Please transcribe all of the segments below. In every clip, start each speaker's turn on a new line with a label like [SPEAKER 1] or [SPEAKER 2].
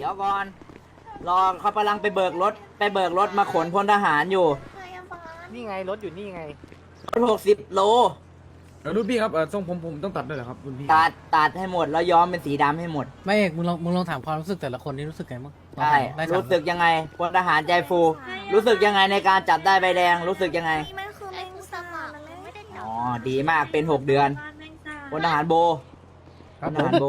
[SPEAKER 1] ดี๋ยวก่อนรอเขากำลังไปเบิกรถมาขนพลทหารอยู่
[SPEAKER 2] นี่ไงรถอยู่นี่ไง
[SPEAKER 1] รถ60 โล
[SPEAKER 3] รุ่นพี่ครับทรงผมต้องตัดด้วยเหรอครับรุ่นพี่
[SPEAKER 1] ตัดให้หมดแล้วย้อมเป็นสีดำให้หมด
[SPEAKER 4] ไม่เอกมึงลองถามความรู้สึกแต่ละคนนี่รู้สึกไงบ้าง
[SPEAKER 1] ใช่
[SPEAKER 4] ได้
[SPEAKER 1] รู้สึกยังไงพลทหารใจฟู รู้สึกยังไงในการจับได้ใบแดงรู้สึกยังไง
[SPEAKER 5] มันคือแมงสาบมันไม่ได้จั
[SPEAKER 1] อ๋อดีมากเป็น6 เดือนพลทหารโบ
[SPEAKER 3] ครับ
[SPEAKER 1] พล
[SPEAKER 3] ผ
[SPEAKER 1] ท
[SPEAKER 3] ม
[SPEAKER 1] หารโบ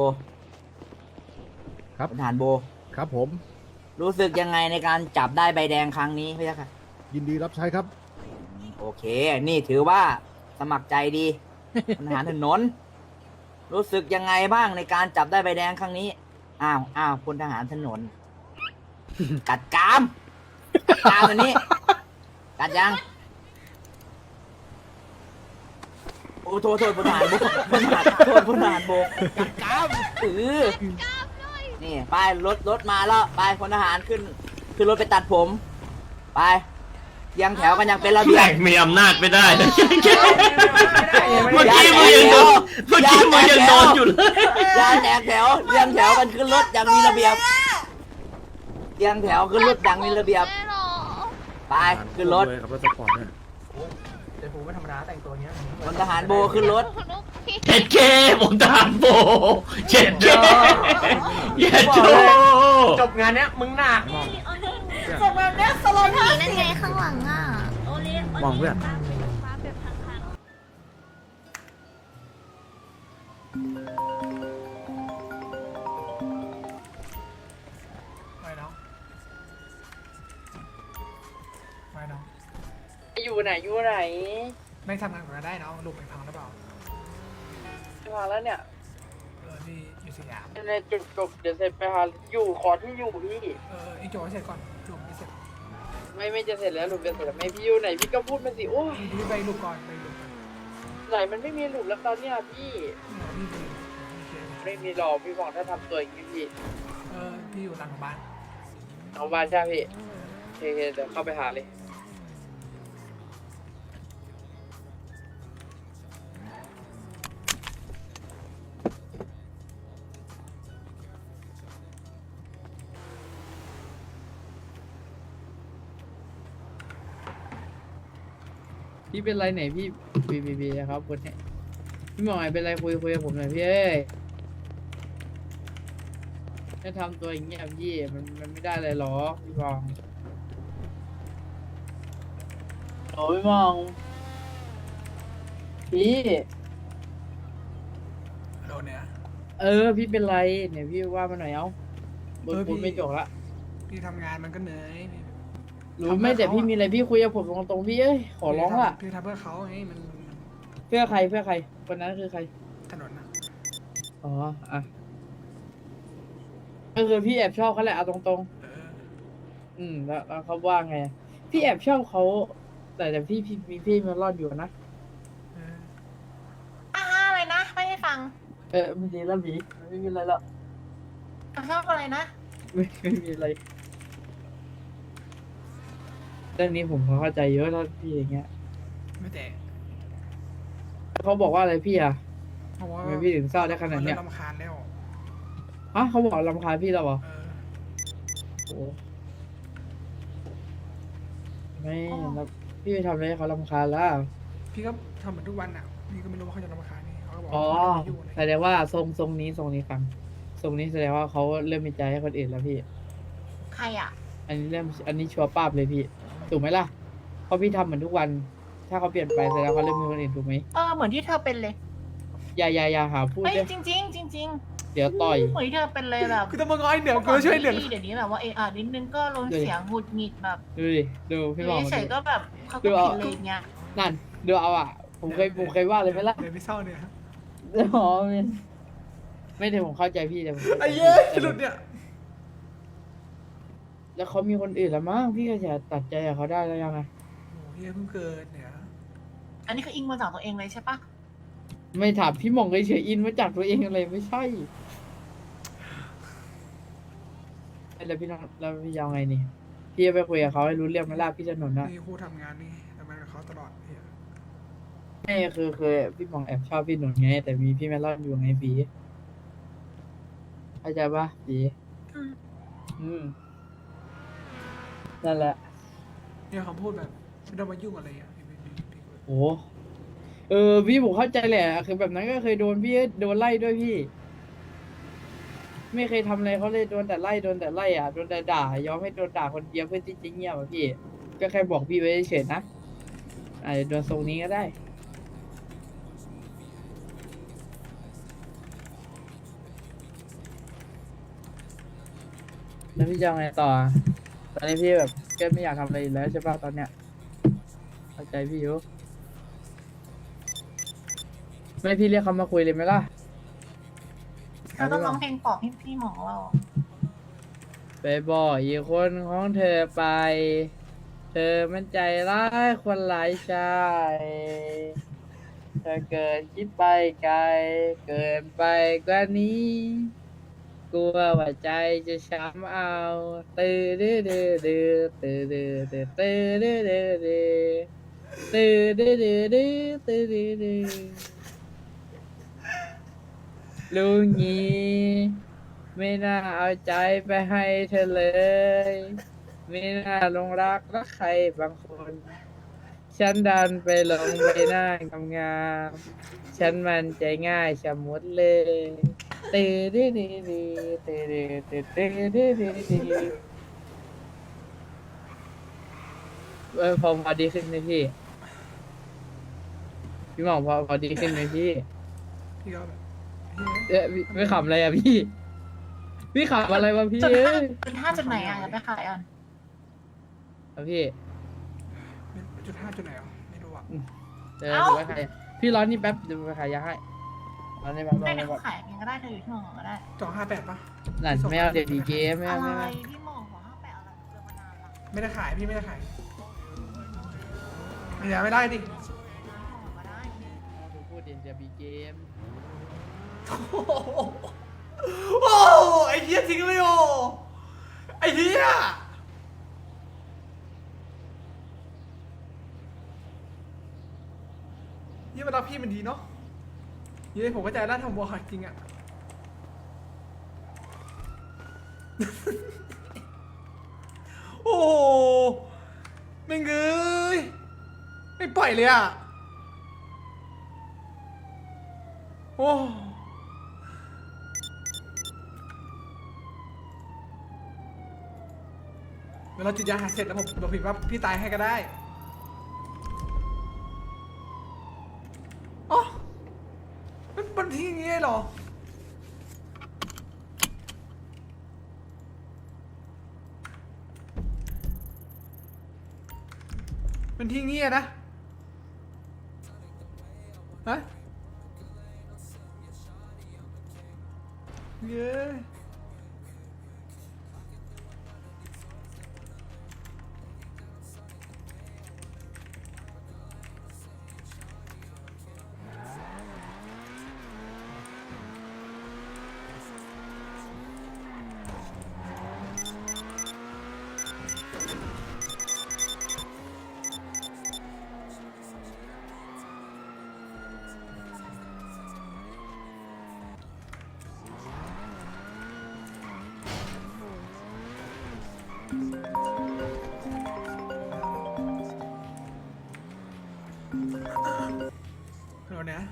[SPEAKER 3] ครับ
[SPEAKER 1] พลทหารโบ
[SPEAKER 3] ครับผม
[SPEAKER 1] รู้สึกยังไงในการจับได้ใบแดงครั้งนี้พี่ค่ะ
[SPEAKER 3] ยินดีรับใช้ครับ
[SPEAKER 1] โอเค นี่ถือว่าสมัครใจดีพลทหารถนน รู้สึกยังไงบ้างในการจับได้ใบแดงครั้งนี้ อ้าวพลทหารถนน กัดกรามอันนี้ กัดยัง โอ้โทษพลทหารโบพลทหารโทษพลทหารโบกัดกรามนี่ไปรถมาแล้วไปพลทหารขึ้นรถไปตัดผม ไปยังแถวกันยังเป็นระเบีย
[SPEAKER 6] แห
[SPEAKER 1] บ
[SPEAKER 6] ลกมีอำนาจไม่ได้นะเมื่อกี้มึงยังโดนอยู่เลย
[SPEAKER 1] ยาแตกแถวเรียงแถวกันขึ้นรถอย่างมีระเบียบเรียงแถวขึ้นรถอย่างมีระเบียบ
[SPEAKER 5] ไม่หรอ
[SPEAKER 1] ไปขึ้นรถ
[SPEAKER 3] เลยครับรถสปอร์ตเนี่ย
[SPEAKER 2] แต่ผมไม่ธรรมดาแต่งตัวเนี้ย
[SPEAKER 1] พลทหารโบขึ้นรถ
[SPEAKER 6] เจ็ดเคผมทหารโบเจ็ดเคเย็ดโจ
[SPEAKER 2] จบงานเนี้ยมึงหนัก
[SPEAKER 5] จบแบบนี้สโลว์ผีนั่นไงข้างหลังอ่ะ
[SPEAKER 3] มองเพื่อน
[SPEAKER 2] ไม่น้องไม่น้อง
[SPEAKER 7] อยู่ไหนอยู่ไหน
[SPEAKER 2] ไม่ทำงานก่อนได้น้องลูกไปพังหรือเปล่า
[SPEAKER 7] พาแล้วเนี่ย
[SPEAKER 2] พี่อยู่สยาม
[SPEAKER 7] ในจุดจบเดี๋ยวเสร็จไปหาอยู่ขอที่อยู่พี่
[SPEAKER 2] ไอ้โจเสร็จก่อนลูกไม่เสร็จ
[SPEAKER 7] ไม่จะเสร็จแล้วหลุมจะเสร็จแล้วไม่พี่อยู่ไหนพี่ก็พูดมาสิโอ้ย
[SPEAKER 2] พี่ไปลูกก่อนไปลูกก่อน
[SPEAKER 7] ไหนมันไม่มีหลุมแล้วตอนเนี้ยพี่
[SPEAKER 2] พี่ไป
[SPEAKER 7] ไม่มีหรอกพี่บอกถ้าทำตัวอย่างนี้พี่
[SPEAKER 2] พี่อยู่หลังบ้าน
[SPEAKER 7] เอาบ้านใช่พี่โอเคเดี๋ยวเข้าไปหาเลยพี่เป็นไรไหนพี่บีครับคนนี้พี่หมอไหนเป็นไรคุยกับผมหน่อยพี่เอ้ยถ้าทำตัวอย่างเงี้ยพี่มันไม่ได้เลยหรอพี่บองโอ้ยพี่บองพี่
[SPEAKER 2] โดนเนี่ย
[SPEAKER 7] พี่เป็นไรเนี่ยพี่ว่ามาหน่อยเอ้าบนพูดไม่จบละ
[SPEAKER 2] พี่ทำงานมันก็เหนื่อย
[SPEAKER 7] รู้ไม่แต่พี่มีอะไรพี่คุยกับผมตรงๆพี่เอ้ยขอร้องล่ะ
[SPEAKER 2] พี่ทำเพื่อเขาไงมัน
[SPEAKER 7] เพื่อใครคนนั้นคือใคร
[SPEAKER 2] ถนนนะ
[SPEAKER 7] อ๋ออ่ะก็คือพี่แอบชอบเขาแหละเอาตรงๆแล้วเขาว่าไงพี่แอบชอบเขาแต่พี่มีพี่มารอดอยู่นะ
[SPEAKER 5] อะไรนะ ไม่ให้ฟัง
[SPEAKER 7] ไม่ดีแล้วผีไม่มีอะไรแล้ว
[SPEAKER 5] ชอบอะไรนะ
[SPEAKER 7] ไม่มีอะไรเรื่องนี้ผมเข้าใจเยอะแล้วพี่อย่างเงี้ย
[SPEAKER 2] ไม่แต่
[SPEAKER 7] เขาบอกว่าอะไรพี่อ่ะ
[SPEAKER 2] เขาบอกว่า
[SPEAKER 7] ทำไมพี่ถึงเศร้าได้ขนาดเนี้ย
[SPEAKER 2] รำคาญแล้ว
[SPEAKER 7] ฮะเขาบอกรำคาญพี่แล้วเหรอโอ้ไม่แล้วพี่ไปทำอะไรให้เขารำคาญแล้ว
[SPEAKER 2] พี่ก็ทำเหมือนทุกวันอ่ะพี่ก็ไม่รู้ว่าเขาจะรำคาญนี่เขาก็บอก
[SPEAKER 7] อ๋อ
[SPEAKER 2] ไม่อยู่
[SPEAKER 7] แสดงว่าทรงนี้ฟังทรงนี้แสดงว่าเขาเริ่มมีใจให้คนอื่นแล้วพี่
[SPEAKER 5] ใครอ่ะ
[SPEAKER 7] อันนี้ชัวร์ป้าบเลยพี่ถูกไหมล่ะเพราะพี่ทำเหมือนทุกวัน ถ้าเขาเปลี่ยนไปแสดงว่าเขาเริ่มมีคนอื่นถูกไหม
[SPEAKER 5] เหมือนที่เธอเป็นเลย
[SPEAKER 7] อย่าหาพูด
[SPEAKER 5] เฮ้ย
[SPEAKER 7] เลย
[SPEAKER 5] จริง
[SPEAKER 7] เดี๋ยวต่อย
[SPEAKER 5] เหมือนที่เธอเป็นเลยแบบ
[SPEAKER 2] คือต้องมาง้อยเหนือกูช่วยเหลือ
[SPEAKER 5] เดี๋ยวนี้แบบว่านิดนึงก็ลงเสียงหงุดหงิดแบบ
[SPEAKER 7] ดูดิดูพี่บอกมา
[SPEAKER 5] เฉ
[SPEAKER 7] ดู
[SPEAKER 5] ยๆก็แบบเขาก็ผิดเลยอย่างเงี้ย
[SPEAKER 7] นั่นดูเอาอ่ะผมเคยว่าเลยไหมล่ะ
[SPEAKER 2] เดี๋ยวพี่เศร้าเนี่ย
[SPEAKER 7] อ๋อไม่ได้ผมเข้าใจพี่แต่ผม
[SPEAKER 2] ไอ้เย้ยหลุดเนี่ย
[SPEAKER 7] แล้วเขามีคนอื่นแล้วมั้งพี่ก็จะตัดใจกับเขาได้แล้วยังไง
[SPEAKER 2] โอ้พี่เพิ่งเกิดเนี่ย
[SPEAKER 5] อันนี้คืออิงมาจากตัวเองเลยใช่ปะ
[SPEAKER 7] ไม่ถามพี่หมองเฉยๆอินมาจากตัวเองอะไรไม่ใช่แล้วพี่น้องแล้วพี่ยาวไงนี่พี่จะไปคุยกับเขาให้รู้เรื่องไหมล่ะพี่ถนนนะ
[SPEAKER 2] นี่คู่ทำงานนี่ทำงานกับเขาตลอดพี่
[SPEAKER 7] ไม่คือพี่หมองแอบชอบพี่หนุนไง แต่มีพี่แมลอนอยู่ไงปีเข้าใจปะปีนั่นแหละ
[SPEAKER 2] เนี่ยคำพูดแบบไม่ต้องมายุ่งอะไรอ่ะพี่
[SPEAKER 7] โอ้พี่ผมเข้าใจแหละคือแบบนั้นก็เคยโดนพี่โดนไล่ด้วยพี่ ไม่เคยทำอะไรเขาเลยโดนแต่ไล่โดนแต่ไล่อ่ะโดนแต่ด่ายอมให้โดนด่าคนเดียวเพื่อที่จะเงียบอ่ะพี่ ก็แค่บอกพี่ไว้เฉยๆนะอาจจะโดนทรงนี้ก็ได้แล้วพี่จะเอาไงต่ออะตอนนี้พี่แบบก็ไม่อยากทำอะไรอีกแล้วใช่ป่ะตอนเนี้ยเข้าใจพี่อยู่ไม่พี่เรียกเขามาคุยเลยไหมล่ะ
[SPEAKER 5] เราต้องร้องเพลงปลอบให้พี่หมอเรา
[SPEAKER 7] ไปบอกอีกคนของเธอไป เธอมันใจร้ายคนหลายชายเธอเกินคิดไปไกล เกินไปกว่านี้ กลัวว่าใจจะช้ำเอาตื้อดื้อดื้อดื้อตื้อดื้อดื้อตื้อดื้อดื้อดื้อตื้อดื้อดื้อดื้อตื้อดื้อดื้อลุงงี้ไม่น่าเอาใจไปให้เธอเลย ไม่น่าลงรักใครบางคน ฉันดันไปลงใบหน้างามๆฉันมันใจง่ายชะมุดเลยตื่นดื้อดื้อดื้อตื่นดื้อตื่นดื้อดื้อดื้อดื้อพอดีขึ้นไหมพี่ พี่หมองพอดีขึ้นไหมพี่
[SPEAKER 2] พี่ก็แบบ
[SPEAKER 7] ไม่ขำอะไรอ่ะพี่ พี่ขำอะไรวะพี่
[SPEAKER 5] จุด
[SPEAKER 7] เอ้
[SPEAKER 5] ห้าย จุดห้าจุดไหนอ่ะจะไปขายอ่ะ
[SPEAKER 7] เอาพี่
[SPEAKER 2] จุดไหนอ่ะไม่รู้อ่ะ
[SPEAKER 7] เดี๋ยวดูไว้ใครพี่ร้อนนี่แป๊บเดี๋ยวไปขายยาให้ร้อนนี่แป๊บร้อ
[SPEAKER 5] ไม่
[SPEAKER 7] น
[SPEAKER 5] ได้
[SPEAKER 7] นี่แป๊บ
[SPEAKER 5] ขายเองก็ได้เธออยู่ที่หมอก็ได้
[SPEAKER 2] 258ป่ะ
[SPEAKER 7] นั่นไม่เอาเดี๋ยวดีเกมไม่
[SPEAKER 5] อะ
[SPEAKER 7] เอา
[SPEAKER 5] ไร
[SPEAKER 7] ไม่เอา
[SPEAKER 5] พี่หมอหัว58อะไรเจอมานานละ
[SPEAKER 2] ไม่ได้ขายพี่ไม่ได้ขายไม่ได้ดิ
[SPEAKER 5] หมอก็ได้
[SPEAKER 7] พูดเดี๋ยวบีเกม
[SPEAKER 2] โอ้ไอ้เหี้ยทิ้งเลยโอไอ้เหี้ยยี่มันรักพี่มันดีเนาะยี่ผมก็ใจด้านทำบัวขาดจริงอะโอ้ไม่เงยไม่ปล่อยเลยอะโอ้เวลาจุดยาหาเสร็จแล้วผมบอกผิดว่าพี่ตายให้ก็ได้อ๋อมันทิ้งอย่างงี้เหรอมันทิ้งงี้นะฮะเย้เราเนี่ย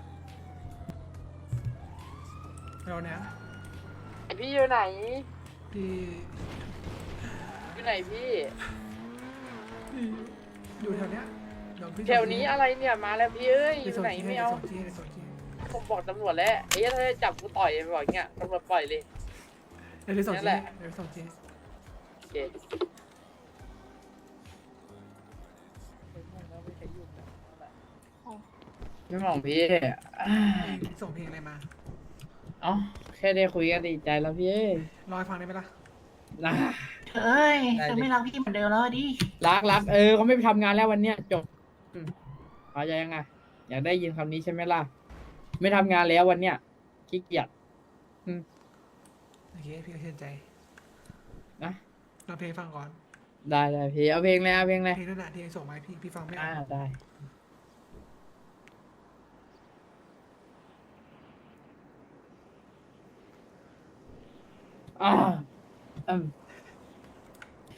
[SPEAKER 7] พี่อยู่ไหน
[SPEAKER 2] พี่
[SPEAKER 7] อยู่ไหนพี่
[SPEAKER 2] อยู่แถวเนี้ยเดี๋ยวพี่
[SPEAKER 7] แถวนี้อะไรเนี่ยมาแล้วพี่เอ้ยอยู่ไหนไม่เอา
[SPEAKER 2] ส่งที่
[SPEAKER 7] ผมบอกตำรวจแล้วไอ้ถ้าจะจับกูต่อยบอกอย่างเงี้ยตำรวจปล่อยเลย
[SPEAKER 2] เดี๋ยวส่ง
[SPEAKER 7] นั่น
[SPEAKER 2] ที่
[SPEAKER 7] แหละ
[SPEAKER 2] เดี๋ยวส่งที่
[SPEAKER 7] โอเคไม่มองพี่
[SPEAKER 2] ส่งเพลงอะไรมา
[SPEAKER 7] เอ้าแค่ได้คุยกันดีใจแล้วพี่เอ้ย
[SPEAKER 2] รอให้ฟังได้ไหมล่ะ
[SPEAKER 7] นะ
[SPEAKER 5] เอ้ย
[SPEAKER 7] ได้ดิ
[SPEAKER 5] เธอไม่รักพี่เหมือนเดิมแล้วดิ
[SPEAKER 7] รักเขาไม่ไปทำงานแล้ววันเนี้ยจบเข้าใจยังไงอยากได้ยินคำนี้ใช่ไหมล่ะ ไม่ทำงานแล้ววันเนี้ยขี้เกียจ
[SPEAKER 2] โอเคพี่ก็เชื่อใจ
[SPEAKER 7] นะ
[SPEAKER 2] ลองเพลงฟังก่อน
[SPEAKER 7] ได้พี่เอาเพลงเลยเอาเพลงเลย
[SPEAKER 2] เพลงนั่นแหละที่ส่งมาให้พี่ฟังไม่ออก
[SPEAKER 7] ได้อ่า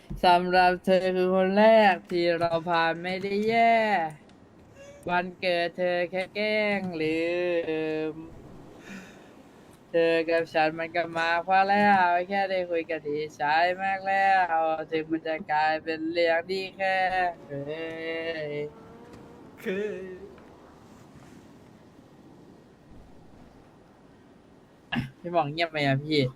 [SPEAKER 7] สำหรับเธอคือคนแรกที่เราผ่านไม่ได้แย่ วันเกิดเธอแค่แกล้งลืม เธอกับฉันมันก็มาพอแล้วแค่ได้คุยกันที่ใช้มากแล้วถึงมันจะกลายเป็นเรื่องดีแค่เฮ้ย
[SPEAKER 2] คือ
[SPEAKER 7] พี่บอกเงียบไปอ่ะพี่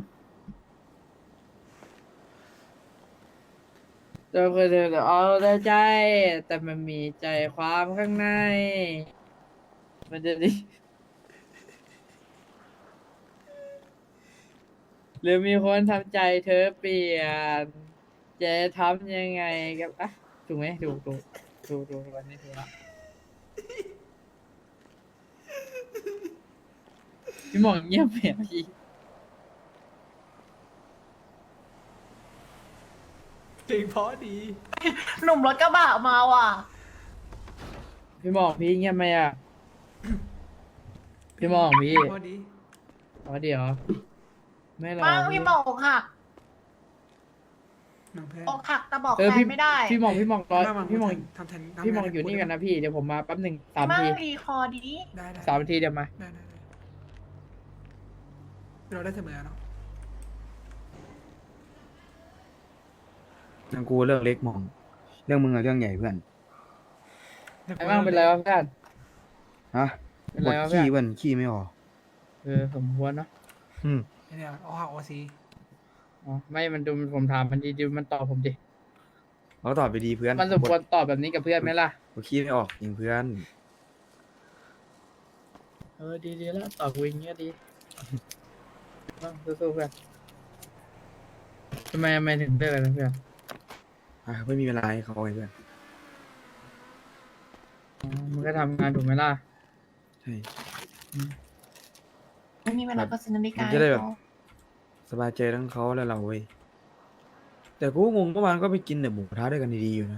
[SPEAKER 7] เธอคือเธอเอาแต่ใจ แต่มันมีใจความข้างใน มันจะดี หรือมีคนทำใจเธอเปลี่ยน จะทำยังไงกับอ่ะถูกไหมถูกวันนี้ถูกละพี่หมองเงียบไปอ่ะพี่
[SPEAKER 2] เพลงเพราะดี
[SPEAKER 5] หนุ่มรถกระบะมาว่ะ
[SPEAKER 7] พี่หมองพี่เงียบไหมอ่ะ พี่หมองพี่
[SPEAKER 2] เพราะดี
[SPEAKER 7] อ๋อเดี๋ยวไม่หรอก
[SPEAKER 5] บ้างพี่หมอกอกหัก
[SPEAKER 2] น้องเพื่อน
[SPEAKER 5] อกหักแต่บอก
[SPEAKER 7] เออ
[SPEAKER 5] แฟ
[SPEAKER 7] พี่
[SPEAKER 5] นไม่ได้
[SPEAKER 7] พี่หมองรอพี่หมอง
[SPEAKER 2] ทำแทน
[SPEAKER 7] พี่หมองอยู่นี่กันนะพี่เดี๋ยวผมมาแป๊บหนึ่งสาม
[SPEAKER 5] มั่ง
[SPEAKER 7] ที
[SPEAKER 5] รีคอร์ดี
[SPEAKER 2] ได้
[SPEAKER 7] สามนาทีเดี๋ยวมา
[SPEAKER 2] ได้เราได้เสมอเนาะ
[SPEAKER 3] ทางกูเรื่องเล็กมอง เรื่องมึงอะเรื่องใหญ่เพื่อน
[SPEAKER 7] ไอ้บ้างเป็นไรวะเพื่อน
[SPEAKER 3] ฮะ
[SPEAKER 7] เป็น
[SPEAKER 3] ป
[SPEAKER 7] ไร
[SPEAKER 3] วด
[SPEAKER 7] วะเพื่
[SPEAKER 3] ขี้
[SPEAKER 7] อน
[SPEAKER 3] เพื่อนขี้ไม่ออก
[SPEAKER 7] สมควรเนาะ
[SPEAKER 3] อืม
[SPEAKER 2] เนี่ยเอาหักโอซี
[SPEAKER 7] อ๋อไม่มันดูผมถามมันดีมันตอบผมดิ
[SPEAKER 3] เขาตอบไปดีเพื่อน
[SPEAKER 7] มันสมควรตอบแบบนี้กับเพื่อนไหมล่ะ
[SPEAKER 3] ปวดขี้ไม่ออกจริงเพื่อน
[SPEAKER 7] ดีแล้วตอบกูอย่างเงี้ยดีสู้ๆเพื่อนทำไมถึงเลิกกันนะเพื่อน
[SPEAKER 3] อ่ะไม่มีเวลาให้เขาไอ้เพื่อน
[SPEAKER 7] อ๋อมันก็ทำงานถูกไหมล่ะ
[SPEAKER 3] ใช่
[SPEAKER 5] ไม่มีเวลาก็ซื้อนาฬิ
[SPEAKER 3] มั
[SPEAKER 5] กาน
[SPEAKER 3] จะได้แบบ
[SPEAKER 5] ให้เขา
[SPEAKER 3] สบายใจทั้งเขาและเราเว้ย แต่กูก็งงเมื่อวานก็ไปกินแต่หมูกระทะด้วยกันดีๆอยู่นะ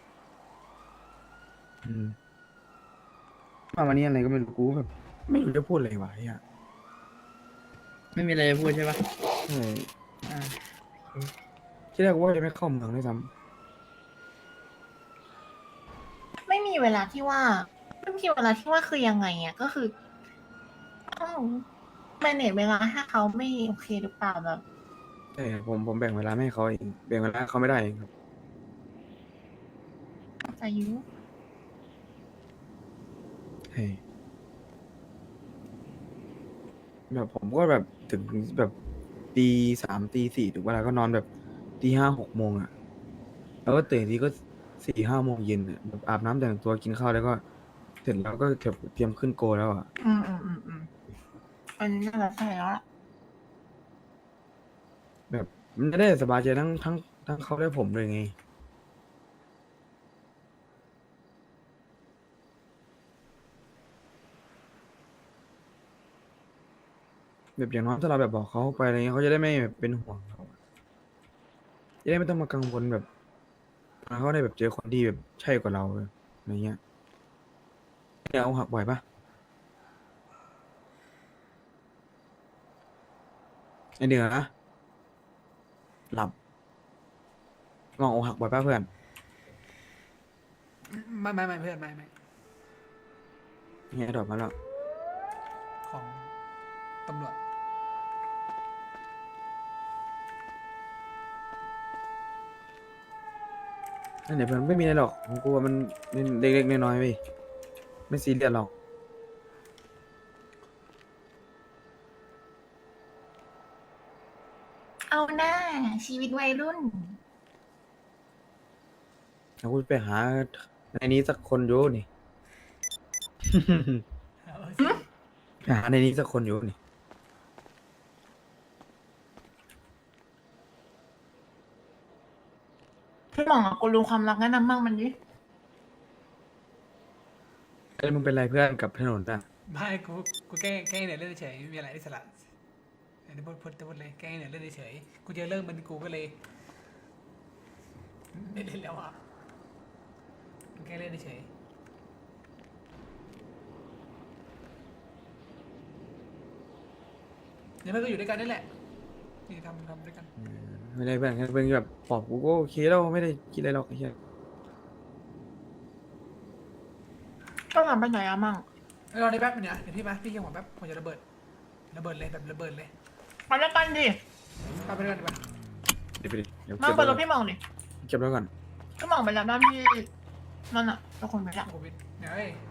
[SPEAKER 3] อืมมาวันนี้อะไรก็ไม่รู้กูแบบ ไม่รู้จะพูดอะไรวะเนี่ย
[SPEAKER 7] ไม่มีอะไรจะพูดใช่ปะ
[SPEAKER 3] ใช่
[SPEAKER 7] อ่า
[SPEAKER 3] ที่แรกกูว่าจะไม่เข้าเมืองด้วยซ้
[SPEAKER 5] ไม่มีเวลาที่ว่าไม่มีเวลาที่ว่าคือยังไงอ่ะก็คือต้องแมเนจเวลาให้เขาไม่โอเคหรือเปล่าแบบ
[SPEAKER 3] ำใช่ผมแบ่งเวลาไม่ให้เขาเองแบ่งเวลาให้เขาไม่ได้เองครับ
[SPEAKER 5] ใจยุ
[SPEAKER 3] ใช่แบบผมก็แบบถึงแบบตี 3ตี 4ถึงเวลาก็นอนแบบตี 5 6 โมงอ่ะ แล้วก็ตื่นทีก็4 5 โมงเย็นอ่ะแบบอาบน้ำแต่งตัวกินข้าวแล้วก็เสร็จแล้วก็เตรียมขึ้นโกแล้วอ่ะ
[SPEAKER 5] อันนี้น่าจะใช่แล้วล่ะ
[SPEAKER 3] แบบมันจะได้สบายใจทั้งเขาและผมเลยไง แบบอย่างน้อยถ้าเราแบบบอกเขาไปอะไรเงี้ยเขาจะได้ไม่แบบเป็นห่วงเราจะได้ไม่ต้องมากังวลแบบเขาได้แบบเจอคนที่แบบใช่กว่าเราอะไรเงี้ยเนี่ยเอาหักบ่อยปะไอเดือนะหลับลองเอาหักบ่อยปะเพื่อน
[SPEAKER 2] ไม่เพื่อนไม่
[SPEAKER 3] เนี่ยดอกมาแล้ว
[SPEAKER 2] ของตำรวจ
[SPEAKER 3] นั่นเดี๋ยวเพื่อนไม่มีอะไรหรอกผมกลัวมันเล็กๆน้อยๆไปไม่ซีเรียสหรอก
[SPEAKER 5] เอาหน้าชีวิตวัยรุ่น
[SPEAKER 3] เราพูดไปหาในนี้สักคนอยู่นี่ ไปหาในนี้สักคนอยู่นี่
[SPEAKER 5] พี่หมองกูรู้ความรักแนะนำบ้างมันดิ
[SPEAKER 3] เอ้ยมึงเป็นไรเพื่อนกับถนนอ่ะ
[SPEAKER 2] ไม่กูแกล้งเนี่ยเล่นเฉยไม่มีอะไรอิสระอันนี้พูดเลยแกล้งเนี่ยเล่นเฉยกูเจอเรื่องมันกูก็เลยไม่เล่นแล้วอ่ะแกล้งเล่นเฉยเดี๋ยวมันก็อยู่ด้วยกันนี่แหละนี่ทำด้วยกัน
[SPEAKER 3] ไม่ได้เพื่อนแค่เป็นแบบปอบกูก็โอเคแล้วไม่ได้คิดอะไรหรอกไอ้เหี้ย
[SPEAKER 5] ก็ทำไปไหนอะมั่ง
[SPEAKER 2] รอได้แป๊บนึงเนี่ยเดี๋ยวพี่มาพี่เกี่ยวหัวแป๊บผมจะระเบิดเลยแบบระเบิดเลย
[SPEAKER 5] มาแล้วกันดิ
[SPEAKER 2] ไปด้วยกันดีกว่า
[SPEAKER 3] เดี๋ยวไปดิเดี๋ยว
[SPEAKER 5] มา
[SPEAKER 3] เก็บ
[SPEAKER 5] เปิดร
[SPEAKER 3] ไว้
[SPEAKER 5] ถพี่หมองดิ
[SPEAKER 3] เก็บไว้ก่อน
[SPEAKER 5] พี่หมองไปแล้วบ้านพี่นั่นอะทุกคนไปแล้ว
[SPEAKER 2] โควิดเนี่ยเฮ้ย